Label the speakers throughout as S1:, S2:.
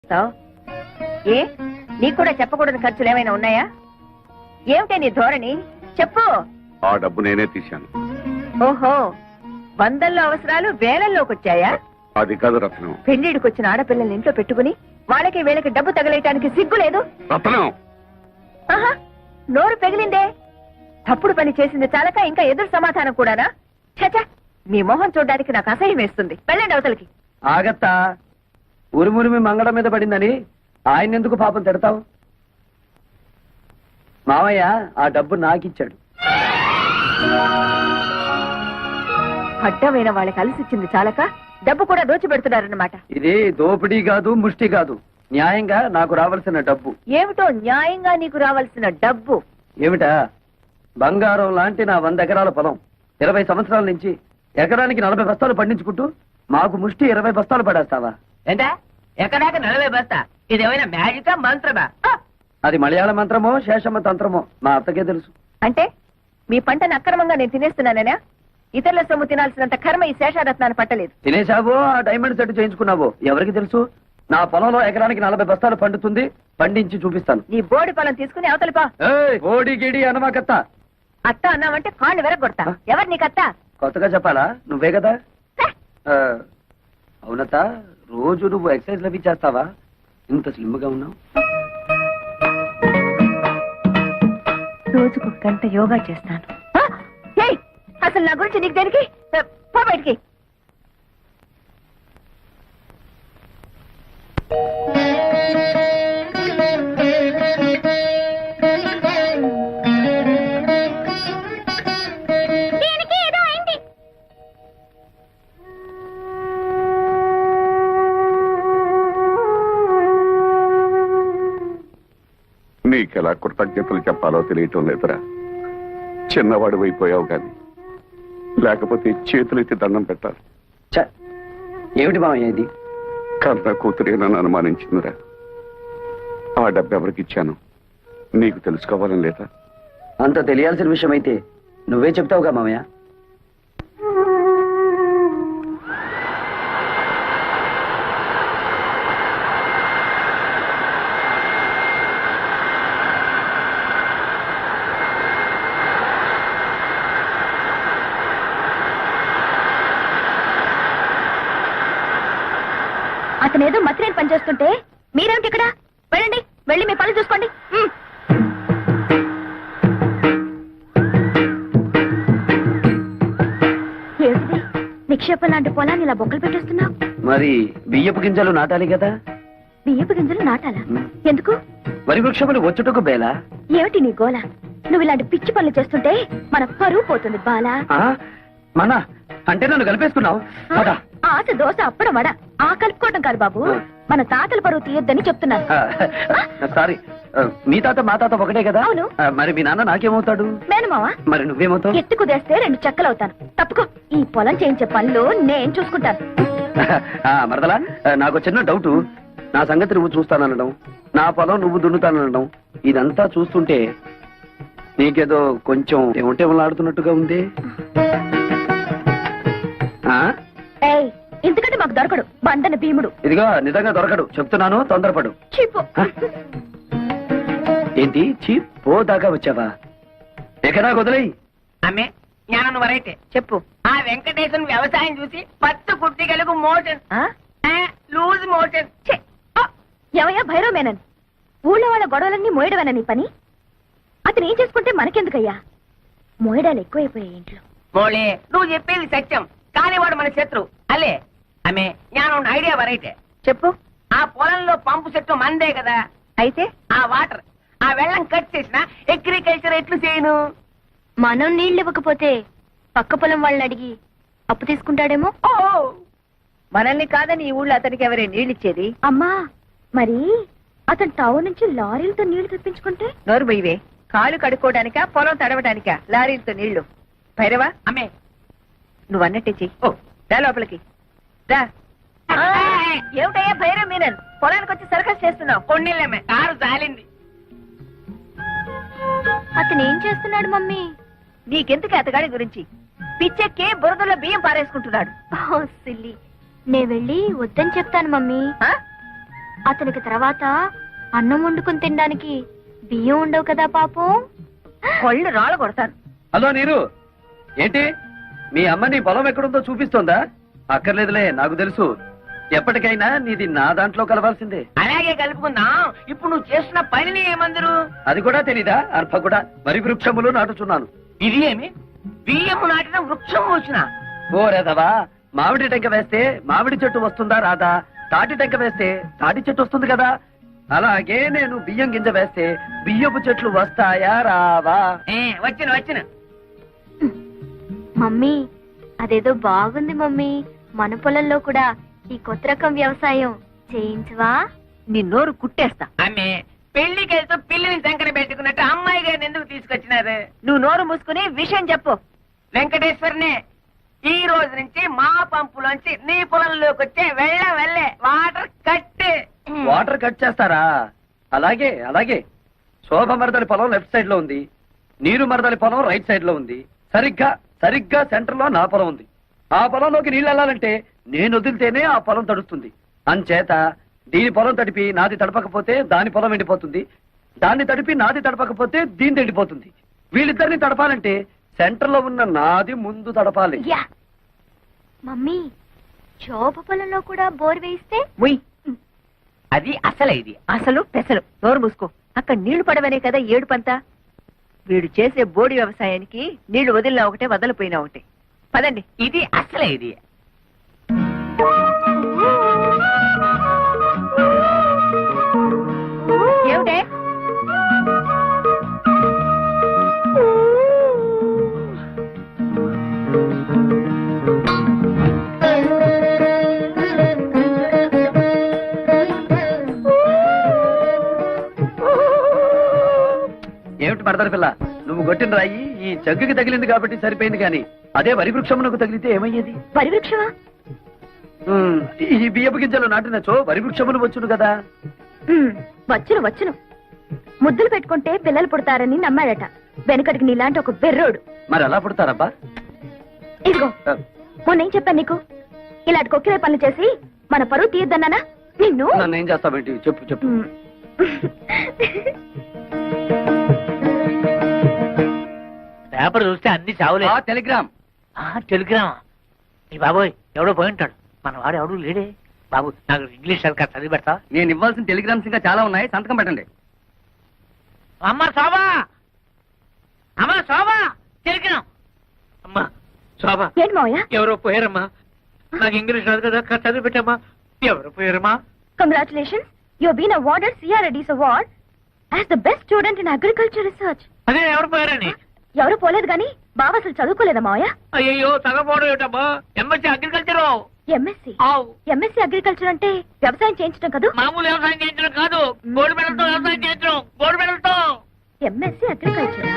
S1: ఏ నీకు కూడా చెప్పకూడని ఖర్చులు ఏమైనా ఉన్నాయా? ఏమిటే నీ ధోరణి? చెప్పు.
S2: ఆ డబ్బు నేనే తీశాను.
S1: ఓహో, వందల్లో అవసరాలు వేలల్లోకి వచ్చాయా?
S2: అది కాదు రత్నం.
S1: పెళ్లిడికి వచ్చిన ఆడపిల్లల్ని ఇంట్లో పెట్టుకుని వాళ్ళకి వీళ్ళకి డబ్బు తగలేయటానికి సిగ్గు లేదు?
S2: రత్నం,
S1: ఆహా, నోరు పెగిలిందే. తప్పుడు పని చేసింది చాలక ఇంకా ఎదురు సమాధానం కూడానా? చచా, మీ మొహం చూడడానికి నాకు అసహ్యం వేస్తుంది. వెళ్ళండి అవతలకి.
S3: ఆగత్తా, ఉరుమురిమి మంగళం మీద పడిందని ఆయన ఎందుకు పాపం తిడతావు? మావయ్య ఆ డబ్బు నాకిచ్చాడు.
S1: అడ్డమైన వాళ్ళకి అలసిచ్చింది చాలక డబ్బు కూడా దోచిపెడుతున్నారన్నమాట.
S3: ఇది దోపిడీ కాదు, ముష్టి కాదు, న్యాయంగా నాకు రావాల్సిన డబ్బు.
S1: ఏమిటో న్యాయంగా నీకు రావాల్సిన డబ్బు?
S3: ఏమిటా? బంగారం లాంటి నా 100 ఎకరాల పొలం 20 సంవత్సరాల నుంచి ఎకరానికి 40 బస్తాలు పండించుకుంటూ మాకు ముష్టి 20 బస్తాలు పడేస్తావా?
S4: ఏంటా ఎక్కడాక 40 బస్తా? ఇదేమైనా మ్యాజికా మంత్రమా?
S3: అది మలయాళ మంత్రమో శేషమ్మ తంత్రమో మా అత్తకే తెలుసు.
S1: అంటే మీ పంటను అక్రమంగా నేను తినేస్తున్నానేనా? ఇతరుల సొమ్ము తినాల్సినంత కర్మ ఈ శేషారత్నాన్ని పట్టలేదు.
S3: తినేశావో ఆ డైమండ్ సెట్ చేయించుకున్నావో ఎవరికి తెలుసు? నా పొలంలో ఎకరానికి 40 బస్తాలు పండుతుంది, పండించి చూపిస్తాను.
S1: నీ బోడి పొలం తీసుకుని అవతలిపా.
S3: ఓడి గిడి అనమాకత్త.
S1: అత్త అన్నావంటే కాళ్ళు వెరగొడతా. ఎవరు నీకత్తా?
S3: కొత్తగా చెప్పాలా? నువ్వే కదా. అవునత్త, రోజు నువ్వు ఎక్సర్సైజ్ లవి చేస్తావా? ఇంత స్లిమ్ గా ఉన్నావు.
S1: రోజుకు 1 గంట యోగా చేస్తాను. అసలు నా గురించి నీకు దేనికి? పో బయటికి.
S2: నీకెలా కృతజ్ఞతలు చెప్పాలో తెలియటం లేదురా. చిన్నవాడు అయిపోయావు గాని లేకపోతే చేతులెత్తి దండం పెట్టాలి.
S3: ఏమిటి మామయ్య ఇది?
S2: కన్న కూతురే నన్ను అనుమానించిందిరా. ఆ డబ్బు ఎవరికిచ్చాను నీకు తెలుసుకోవాలని లేదా?
S3: అంత తెలియాల్సిన విషయం అయితే నువ్వే చెప్తావుగా మామయ్య.
S1: అతనేదో మత్రేని పనిచేస్తుంటే మీరేమిటి ఇక్కడ? వెళ్ళండి, వెళ్ళి మీ పని చూసుకోండి. ఏమిటి నిక్షేపం లాంటి పొలాన్ని ఇలా బొక్కలు పెట్టేస్తున్నావు?
S3: మరి బియ్యపు గింజలు నాటాలి కదా.
S1: బియ్యపు గింజలు నాటాలా? ఎందుకు?
S3: వరి వృక్షములు వచ్చుటకు బేలా.
S1: ఏమిటి నీ గోల? నువ్వు ఇలాంటి పిచ్చి పనులు చేస్తుంటే మన పరువు పోతుంది బాలా.
S3: మన అంటే నన్ను కలిపేసుకున్నావు.
S1: ఆశ దోశ అప్పడం వడ ఆ కలుపుకోవటం కాదు బాబు, మన తాతల పరువు తీయొద్దని చెప్తున్నాను.
S3: సారీ, మీ తాత మా తాత ఒకటే కదా.
S1: అవును.
S3: మరి మీ నాన్న నాకేమవుతాడు?
S1: మేనమావా.
S3: మరి నువ్వేమవుతావు?
S1: ఎత్తు కుదేస్తే 2 చెక్కలవుతాను. తప్పుకో, ఈ పొలం చేయించే పనులు నేను చూసుకుంటాను.
S3: మరదలా, నాకు చిన్న డౌట్. నా సంగతి నువ్వు చూస్తాననడం, నా పొలం నువ్వు దున్నుతాననడం, ఇదంతా చూస్తుంటే నీకేదో కొంచెం ఏమంటేమలాడుతున్నట్టుగా ఉంది.
S1: ఎందుకంటే మాకు దొరకడు బండన భీముడు.
S3: ఇదిగో నిజంగా దొరకడు చెప్తున్నాను, తొందరపడు.
S1: చీపు.
S3: ఏంటి చీపో దాకా వచ్చావా? ఎక్కడా వదిలేయి.
S4: అమ్మే జ్ఞానం వరైతే
S1: చెప్పు.
S4: ఆ వెంకటేశ్వర వ్యవసాయం చూసి పత్తు కుట్టిగలకు మోషన్ లూజ్ మోషన్.
S1: ఎవయ్యా భైరవ మేనన్, ఊళ్ళో వాళ్ళ గొడవలన్నీ మోయడమేనా నీ పని? అతను ఏం చేసుకుంటే మనకెందుకయ్యా? మోయడాలు ఎక్కువైపోయాయి ఇంట్లో.
S4: మోళే, నువ్వు చెప్పేది సత్యం, కానీ వాడు మన శత్రు అలే. అమ్మే జ్ఞానం ఐడియా వరైతే
S1: చెప్పు.
S4: ఆ పొలంలో పంపు చెట్టు మందే కదా.
S1: అయితే
S4: ఆ వాటర్ ఆ వెళ్ళం కట్ చేసిన అగ్రికల్చర్ ఎట్లు చేయను?
S1: మనం నీళ్ళు ఇవ్వకపోతే పక్క పొలం వాళ్ళని అడిగి అప్పు తీసుకుంటాడేమో.
S4: ఓ,
S1: మనల్ని కాదని ఈ ఊళ్ళో అతనికి ఎవరే నీళ్ళు ఇచ్చేది? అమ్మా, మరి అతను టౌన్ నుంచి లారీలతో నీళ్లు తెప్పించుకుంటే? నోరు బొయ్యవే. కాలు కడుక్కోవడానికా పొలం తడవడానికా లారీలతో నీళ్లు? భైరవా,
S4: అమ్మే
S1: నువ్వు అన్నట్టే చెయ్యి. రా లోపలికి రా. ఏమిటయ్యా భైరవ మీనన్, పొలానికి వచ్చి సర్కస్ చేస్తున్నావు?
S4: కొన్నిళ్ళమ్మే, కారు జాలింది.
S1: అతను ఏం చేస్తున్నాడు మమ్మీ? నీకెందుకు అతగాడి గురించి? పిచ్చెక్కి బురదలో బియ్యం పారేసుకుంటున్నాడు. సిల్లి, నే వెళ్ళి వద్దని చెప్తాను మమ్మీ.
S5: అతనికి తర్వాత అన్నం వండుకుని తినడానికి బియ్యం ఉండవు కదా పాపం.
S1: కొళ్ళు రాళ్ళ కొడతాను.
S3: హలో నీరు, ఏంటి మీ అమ్మ నీ పొలం ఎక్కడుందో చూపిస్తోందా? అక్కర్లేదులే, నాకు తెలుసు. ఎప్పటికైనా నీది నా దాంట్లో కలవాల్సిందే.
S4: అలాగే కలుపుకుందాం. ఇప్పుడు నువ్వు చేస్తున్న పనిని ఏమందరు?
S3: అది కూడా తెలీదా? అర్భ కూడా వరి వృక్షములు నాటుచున్నాను.
S4: ఇది ఏమి బియ్యము నాటిన వృక్షం వచ్చిన?
S3: ఓ రేదవా, మామిడి టెంక వేస్తే మామిడి చెట్టు వస్తుందా రాదా? తాటి టెంక వేస్తే తాటి చెట్టు వస్తుంది కదా. అలాగే నేను బియ్యం గింజ వేస్తే బియ్యపు చెట్లు వస్తాయా రావా?
S4: వచ్చిన
S5: మమ్మీ అదేదో బాగుంది మమ్మీ. మన పొలంలో కూడా ఈ కొత్త రకం వ్యవసాయం చేయించవా?
S1: నీ నోరు కుట్టేస్తా.
S4: ఆమె పెళ్లికి వెళ్తూ పిల్లిని సంకట పెట్టుకున్నట్టు అమ్మాయి గారిని ఎందుకు తీసుకొచ్చినారు?
S1: నువ్వు నోరు మూసుకుని విషయం చెప్పు.
S4: వెంకటేశ్వరనే, ఈ రోజు నుంచి మా పంపులోంచి నీ పొలంలోకి వచ్చే వెళ్ళే వాటర్ కట్.
S3: వాటర్ కట్ చేస్తారా? అలాగే అలాగే. శోభ మరదలి పొలం లెఫ్ట్ సైడ్ లో ఉంది, నీరు మరదలి పొలం రైట్ సైడ్ లో ఉంది. సరిగ్గా సెంటర్ లో నా పొలం ఉంది. ఆ పొలంలోకి నీళ్ళు వెళ్ళాలంటే నేను వదిలితేనే ఆ పొలం తడుస్తుంది. అంచేత దీని పొలం తడిపి నాది తడపకపోతే దాని పొలం ఎండిపోతుంది, దాన్ని తడిపి నాది తడపకపోతే దీని ఎండిపోతుంది. వీళ్ళిద్దరిని తడపాలంటే సెంటర్ లో ఉన్న నాది ముందు తడపాలి.
S5: యా మమ్మీ, శోభ పొలంలో కూడా బోర్ వేయిస్తే?
S1: ఉయ్,
S4: అది అసలే ఇది.
S1: అసలు పెసలు. నోరు మూసుకో. అక్కడ నీళ్లు పడవనే కదా ఏడుపంతా. వీడు చేసే బోడి వ్యవసాయానికి నీళ్లు వదిలినా ఒకటే, వదలిపోయినా ఒకటే. పదండి.
S4: ఇది అసలే ఇది.
S1: ఏమిటే?
S3: ఏమిటి మరదలి పిల్ల, నువ్వు కొట్టిన రాయి ఈ జగ్గుకి తగిలింది కాబట్టి సరిపోయింది, కానీ అదే వరి వృక్షమునకు తగిలితే ఏమయ్యేది?
S5: వరి వృక్షమా?
S3: ఈ బియ్యపు గింజలు నాటినచో వరి వృక్షములు వచ్చును కదా.
S5: వచ్చును. ముద్దులు పెట్టుకుంటే పిల్లలు పుడతారని నమ్మాడట వెనకటికి నీలాంటి ఒక బెర్రోడు.
S3: మరి ఎలా పుడతారబ్బా?
S5: ఇదిగో మొన్నేం చెప్పాను నీకు? ఇలాంటి కొక్కిరే పనులు చేసి మన పరువు తీయద్దన్నానా నిన్ను?
S3: నన్ను ఏం చేస్తావేంటి? చెప్పు.
S6: పేపర్ చూస్తే అన్ని చావులే.
S3: టెలిగ్రామ్.
S6: టెలిగ్రామా? ఈ బాబోయ్, ఎవడో పోయి ఉంటాడు. మన వాడు ఎవడు లేడే. బాబు, నాకు ఇంగ్లీష్ సరిగ్గా చదివి పెడతా.
S3: నేను ఇవ్వాల్సిన టెలిగ్రామ్స్ ఇంకా చాలా ఉన్నాయి, సంతకం పెట్టండి.
S6: అమ్మ శోభా, టెలిగ్రామ్. అమ్మా శోభా,
S5: ఏంటి మావయ్య?
S6: ఎవరో పోయారమ్మా. నాకు ఇంగ్లీష్ రాదు కదా, చదివి పెట్టమ్మా. ఎవరు పోయారమ్మా?
S5: Congratulations, you have been awarded CRADS award as the best student in agriculture research.
S6: అదే ఎవరు పోయారని?
S5: ఎవరు పోలేదు గాని బావ అసలు చదువుకోలేదా మావయ్య?
S6: అయ్యో, తగపోవడం ఏమిటమ్మా? MSc agriculture.
S5: ఎంఎస్సీ అగ్రికల్చర్ అంటే వ్యవసాయం చేయించడం కదా?
S6: మామూలు వ్యవసాయం చేయించడం కాదు, గోల్డ్ మెడల్తో వ్యవసాయం చేయించడం. గోల్డ్ మెడల్తో.
S5: ఎంఎస్సీ అగ్రికల్చరా?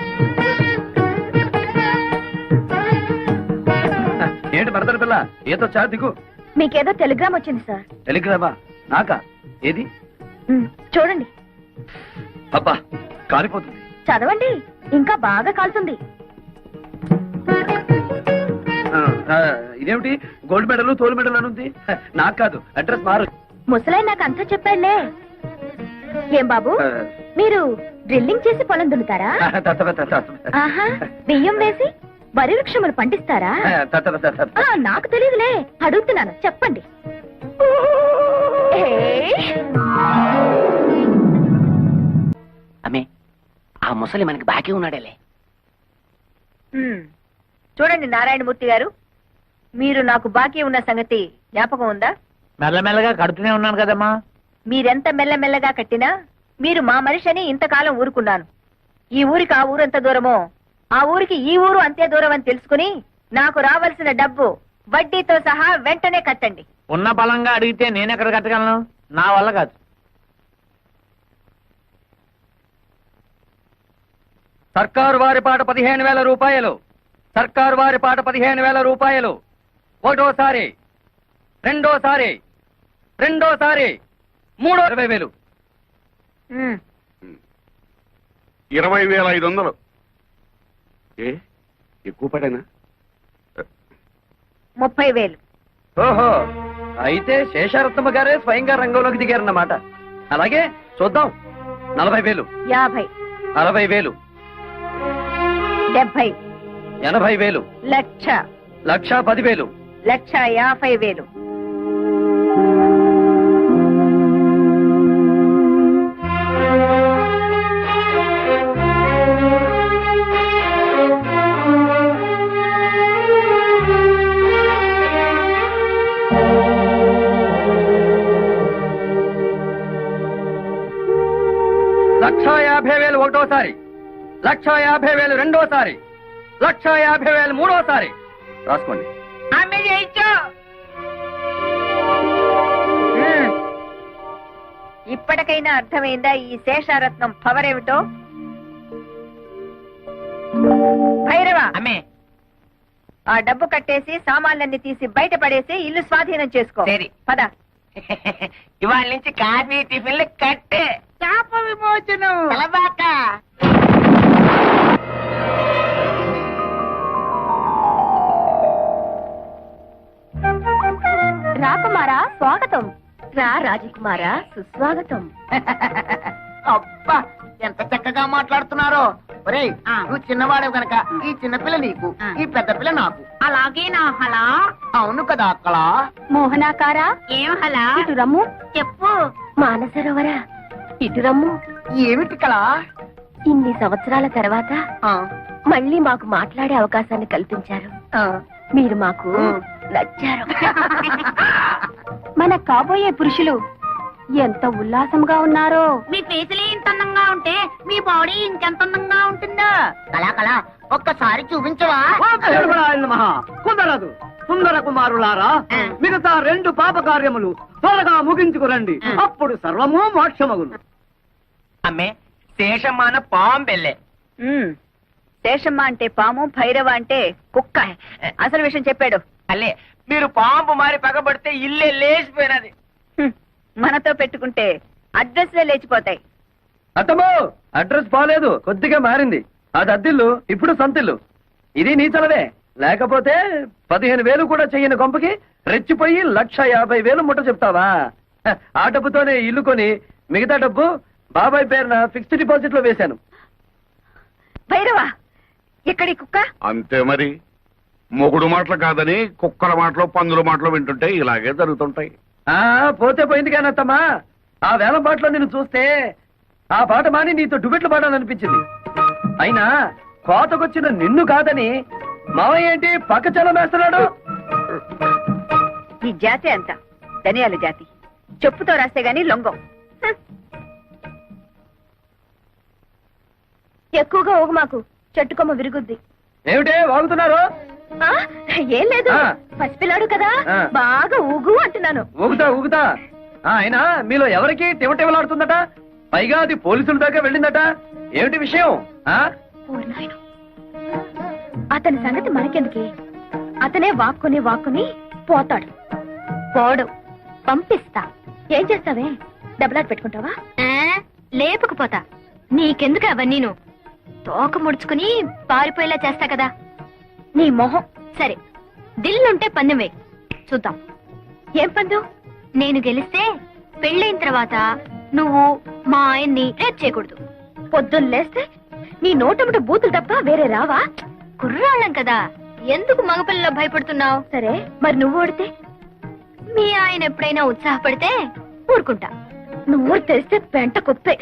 S3: ఏంటి మరదల పిల్ల, ఏదో చా దిగు.
S5: మీకేదో టెలిగ్రామ్ వచ్చింది సార్.
S3: టెలిగ్రామా? నాకా? ఏది?
S5: చూడండి.
S3: అబ్బా, కాలిపోతుంది.
S5: చదవండి, ఇంకా బాగా కాలుతుంది.
S3: ఇదేమిటి గోల్డ్ మెడల్ తోలు మెడల్ అని ఉంది? నాకు కాదు, అడ్రస్ మారు.
S5: ముసలాయి నాకు అంతా చెప్పాడులే. ఏం బాబు, మీరు డ్రిల్లింగ్ చేసి పొలం దున్నుతారా? ఆహా, బియ్యం వేసి వరి వృక్షములు పండిస్తారా? నాకు తెలియదులే, అడుగుతున్నాను, చెప్పండి.
S4: అమ్మే, ఆ ముసలి మనకి బాకీ ఉన్నాడేలే.
S1: చూడండి నారాయణమూర్తి గారు, మీరు నాకు బాకీ ఉన్న సంగతి జ్ఞాపకం ఉందా?
S6: మెల్లమెల్లగా కడుతూనే ఉన్నాను కదమ్మా.
S1: మీరెంత మెల్లమెల్లగా కట్టినా మీరు మా మనిషి అని ఇంతకాలం ఊరుకున్నాను. ఈ ఊరికి ఆ ఊరు ఎంత దూరమో, ఆ ఊరికి ఈ ఊరు అంతే దూరం అని తెలుసుకుని నాకు రావాల్సిన డబ్బు వడ్డీతో సహా వెంటనే కట్టండి.
S6: ఉన్న బలంగా అడిగితే నేనెక్కడ కట్టగలను? నా వల్ల కాదు.
S3: సర్కారు వారి పాట 15,000 రూపాయలు. సర్కారు వారి పాట 15,000 రూపాయలు. ఒకటోసారి, రెండోసారి, మూడో 20,000.
S2: 20,500. ఏ ఎక్కువ పడేనా?
S1: 30,000.
S3: ఓహో, అయితే శేషారత్నమ్మ గారే స్వయంగా రంగంలోకి దిగారన్నమాట. అలాగే చూద్దాం. 40,000,
S1: 50,
S3: 60,000,
S1: 70,
S3: 80,000,
S1: 1,00,000,
S3: 1,10,000.
S1: 1,50,000.
S3: లక్ష 50,000 ఒకటోసారి, 1,50,000 రెండోసారి, 1,50,000 మూడోసారి. రాసుకోండి.
S4: అమ్మే చేయించు.
S1: ఇప్పటికైనా అర్థమైందా ఈ శేషారత్నం పవర్ ఏమిటో? భైరవ,
S4: అమ్మే
S1: ఆ డబ్బు కట్టేసి సామాన్లన్నీ తీసి బయట పడేసి ఇల్లు స్వాధీనం చేసుకో.
S4: సరే.
S1: పద.
S4: ఇవాళ నుంచి కాఫీ టిఫిన్లు కట్టే. శాప విమోచనం. తలబాక.
S5: రాకుమారా స్వాగతం. రా రాజకుమారా సుస్వాగతం.
S4: అబ్బా ఎంత చక్కగా మాట్లాడుతున్నారో. ఒరేయ్, నువ్వు చిన్నవాడవు గనక ఈ చిన్నపిల్ల నీకు, ఈ పెద్ద పిల్ల నాకు. అలాగే నా హలా. అవును కదా అక్కడ.
S5: మోహనాకారా
S4: ఏం హలా?
S5: ఇటు రమ్ము.
S4: చెప్పు.
S5: మానసరోవరా ఇటు రమ్ము.
S4: ఏమిటి కళ?
S5: ఇన్ని సంవత్సరాల తర్వాత మళ్ళీ మాకు మాట్లాడే అవకాశాన్ని కల్పించారు. మీరు మాకు నచ్చారు. మన కాబోయే పురుషులు ఎంత ఉల్లాసంగా ఉన్నారో.
S4: మీ ఫేసులే ఇంత అందంగా ఉంటే మీ బాడీ ఇంకెంత అందంగా ఉంటుందో. కళా ఒక్కసారి చూపించవా?
S3: కుదరదు. సుందర కుమారులారా, మిగతా 2 పాప కార్యములు త్వరగా ముగించుకురండి. అప్పుడు సర్వము మోక్షమగును.
S4: అమ్మే శేషమాన పాంబెల్లే.
S1: శేషమ్మ అంటే పాము, భైరవ అంటే కుక్క. అసలు విషయం చెప్పాడు.
S4: అల్లే మీరు పాంపు మారి పగబడితే ఇల్లే లేచిపోయినది.
S1: మనతో పెట్టుకుంటే అడ్రస్లే లేచిపోతాయి.
S3: అత్తమ్మో, అడ్రస్ బాలేదు, కొద్దిగా మారింది. అది అద్దిల్లు, ఇప్పుడు సొంతిల్లు. ఇది నీ చలవే. లేకపోతే 15,000 కూడా చెయ్యని కొంపకి రెచ్చిపోయి 1,50,000 ముట్ట చెప్తావా? ఆ డబ్బుతోనే ఇల్లు కొని మిగతా డబ్బు బాబాయ్ పేరున ఫిక్స్డ్ డిపాజిట్ లో వేశాను.
S1: భైరవ, ఎక్కడి కుక్క?
S2: అంతే మరి. మొగుడు మాటలు కాదని కుక్కల మాటలు, పందుల మాటలు వింటుంటే ఇలాగే జరుగుతుంటాయి.
S3: పోతే పోయింది కానీ అత్తమ్మా, ఆ వేలం పాటలో నిన్ను చూస్తే ఆ పాట మాని నీతో డుబెట్లు పాడాలనిపించింది. అయినా కోతకొచ్చిన నిన్ను కాదని మావయ్య ఏంటి పక్క చలం వేస్తున్నాడు?
S1: ఈ జాతి అంత ధనియాల జాతి. చెప్పుతో రాస్తే గాని లొంగం.
S5: ఎక్కువగా ఊగు మాకు, చెట్టుకొమ్మ విరుగుద్ది.
S3: ఏమిటే వాగుతున్నారు?
S5: ఏం లేదు,
S3: ఆ.
S5: పసిపిల్లాడు కదా,
S3: ఆ.
S5: బాగా ఊగు అంటున్నాను.
S3: ఊగుతా. అయినా మీలో ఎవరికి టివటివలాడుతుందట? పైగా అది పోలీసుల దాకా వెళ్ళిందట. ఏమిటి విషయం?
S5: ఓరి నాయనో. అతని సంగతి మనకెందుకే? అతనే వాక్కుని పోతాడు. పోడు, పంపిస్తా. ఏం చేస్తావే? డబ్బులాట పెట్టుకుంటావా? లేపుకుపోతా. నీకెందుకు అవన్నీను? తోక ముడుచుకుని పారిపోయేలా చేస్తా కదా. నీ మొహం. సరే, దిల్లుంటే పందెం వేయి, చూద్దాం. ఏం పందెం? నేను గెలిస్తే పెళ్ళైన తర్వాత నువ్వు మా ఆయన్ని రేప్ చేయకూడదు. పొద్దున్న లేస్తే నీ నోటముట బూతులు తప్ప వేరే రావా? కుర్రాళ్ళం కదా, ఎందుకు మగపిల్లలో భయపడుతున్నావు? సరే, మరి నువ్వు ఓడితే? మీ ఆయన ఎప్పుడైనా ఉత్సాహపడితే ఊరుకుంటా. నువ్వు తెలిస్తే పెంట కుప్పే.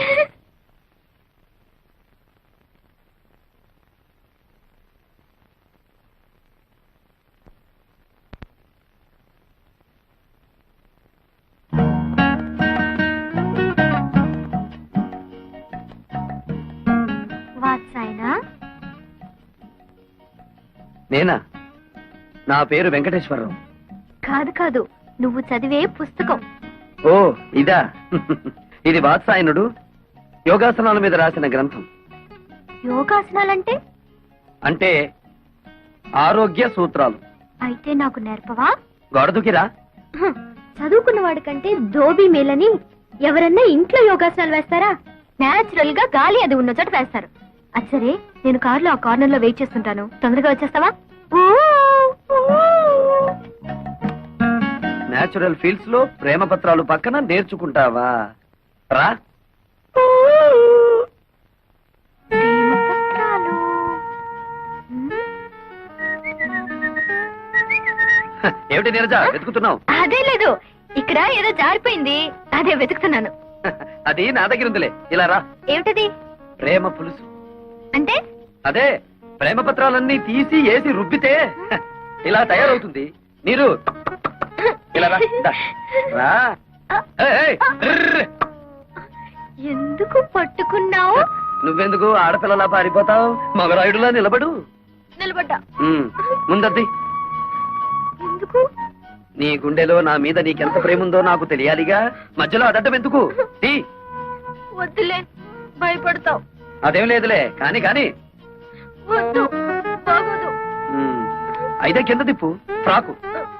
S3: నేనా? నా పేరు వెంకటేశ్వరరావు.
S5: కాదు, నువ్వు చదివే పుస్తకం.
S3: ఓ ఇదా? ఇది వాత్సాయనుడు యోగాసనాల మీద రాసిన గ్రంథం.
S5: యోగాసనాలంటే?
S3: అంటే ఆరోగ్య సూత్రాలు.
S5: అయితే నాకు నేర్పవా?
S3: గొడదుకిరా.
S5: చదువుకున్న వాడికంటే దోబీ మేలని. ఎవరన్నా ఇంట్లో యోగాసనాలు వేస్తారా? నేచురల్ గా గాలి అది ఉన్న చోట వేస్తారు. అచ్చరే, నేను కారులో ఆ కార్నర్ లో వెయిట్ చేస్తుంటాను. తొందరగా వచ్చేస్తావా?
S3: నేచురల్ ఫీల్డ్స్ లో ప్రేమ పత్రాలు పక్కన నేర్చుకుంటావా? రా.
S5: ప్రేమపత్రాలు.
S3: ఏమిటి నీరజ వెతుకుతున్నావు?
S5: అదే లేదు, ఇక్కడ ఏదో జారిపోయింది, అదే వెతుకుతున్నాను.
S3: అది నా దగ్గర ఉందిలే, ఇలా రా.
S5: ఏమిటది?
S3: ప్రేమ పులుసు.
S5: అంటే
S3: అదే ప్రేమ పత్రాలన్నీ తీసి ఏసి రుబ్బితే ఇలా తయారవుతుంది. నీరు ఇలా రా. దా. రా. ఏయ్, ఏయ్, ర్ర్.
S5: ఎందుకు పట్టుకున్నావు?
S3: నువ్వెందుకు ఆడపిల్లలా పారిపోతావు? మగరాయుడులా నిలబడు.
S5: నిలబడ్డా.
S3: ముందద్ది.
S5: ఎందుకు?
S3: నీ గుండెలో నా మీద నీకెంత ప్రేమ ఉందో నాకు తెలియాలిగా. మధ్యలో అడటం ఎందుకు? తీ.
S5: వద్దులే, భయపడతావు.
S3: అదేం లేదులే, కాని కాని.
S5: వద్దు, బాగోదు.
S3: అయితే కింద తిప్పు. Frock.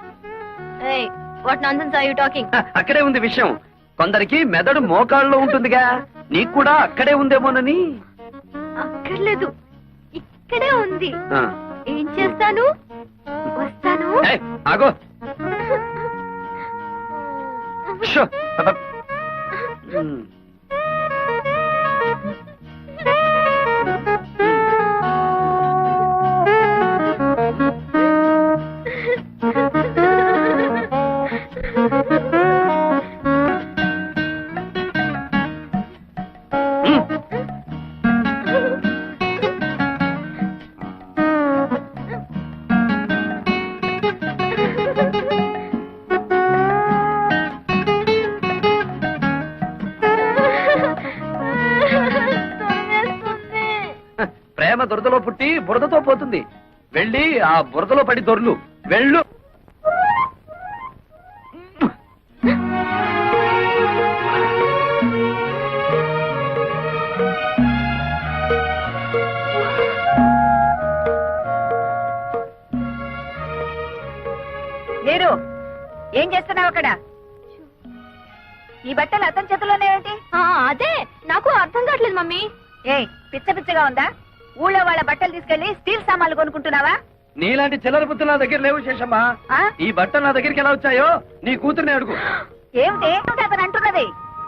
S5: What nonsense are you talking?
S3: అక్కడే ఉంది విషయం. కొందరికి మెదడు మోకాళ్ళలో ఉంటుందిగా, నీకు కూడా అక్కడే ఉందేమోనని.
S5: అక్కర్లేదు, ఇక్కడే ఉంది.
S3: ఆ.
S5: ఏం చేస్తాను? వస్తాను.
S3: ఏయ్, ఆగో. షో. అబ్బ. ప్రేమ దురదలో పుట్టి బురదతో పోతుంది. వెళ్ళి ఆ బురదలో పడి దొర్లు. వెళ్ళు.
S1: లేరు, ఏం చేస్తున్నావు అక్కడ? ఈ బట్టలు అతని చేతిలోనే ఏంటి?
S5: అదే నాకు అర్థం కావట్లేదు మమ్మీ.
S1: ఏయ్, పిచ్చ పిచ్చగా ఉందా? ఊళ్ళో వాళ్ళ బట్టలు తీసుకెళ్లి స్టీల్ సామాన్లు కొనుక్కుంటున్నావా?
S3: నీలాంటి చిల్లర బుద్ధులు నా దగ్గర లేవు శేషమ్మా.
S1: ఆ?
S3: ఈ బట్టలు నా దగ్గరికి ఎలా వచ్చాయో నీ కూతుర్ని అడుగు.
S1: ఏమిటి అతను అంటున్నది?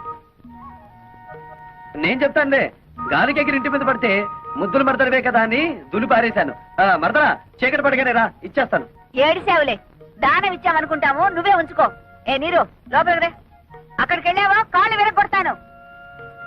S3: నేను చెప్తానులే. గాలికి ఎగిరి ఇంటి మీద పడితే ముద్దులు మరదడవే కదా అని దులి పారేశాను. మరదరా, చీకటి పడగానే రా, ఇచ్చేస్తాను.
S1: ఏడిసేవులే, దానం ఇచ్చామనుకుంటాము, నువ్వే ఉంచుకో. ఏ నీరు, లోపలికి రే. అక్కడికి వెళ్ళావా కాళ్ళు విరగొడతాను.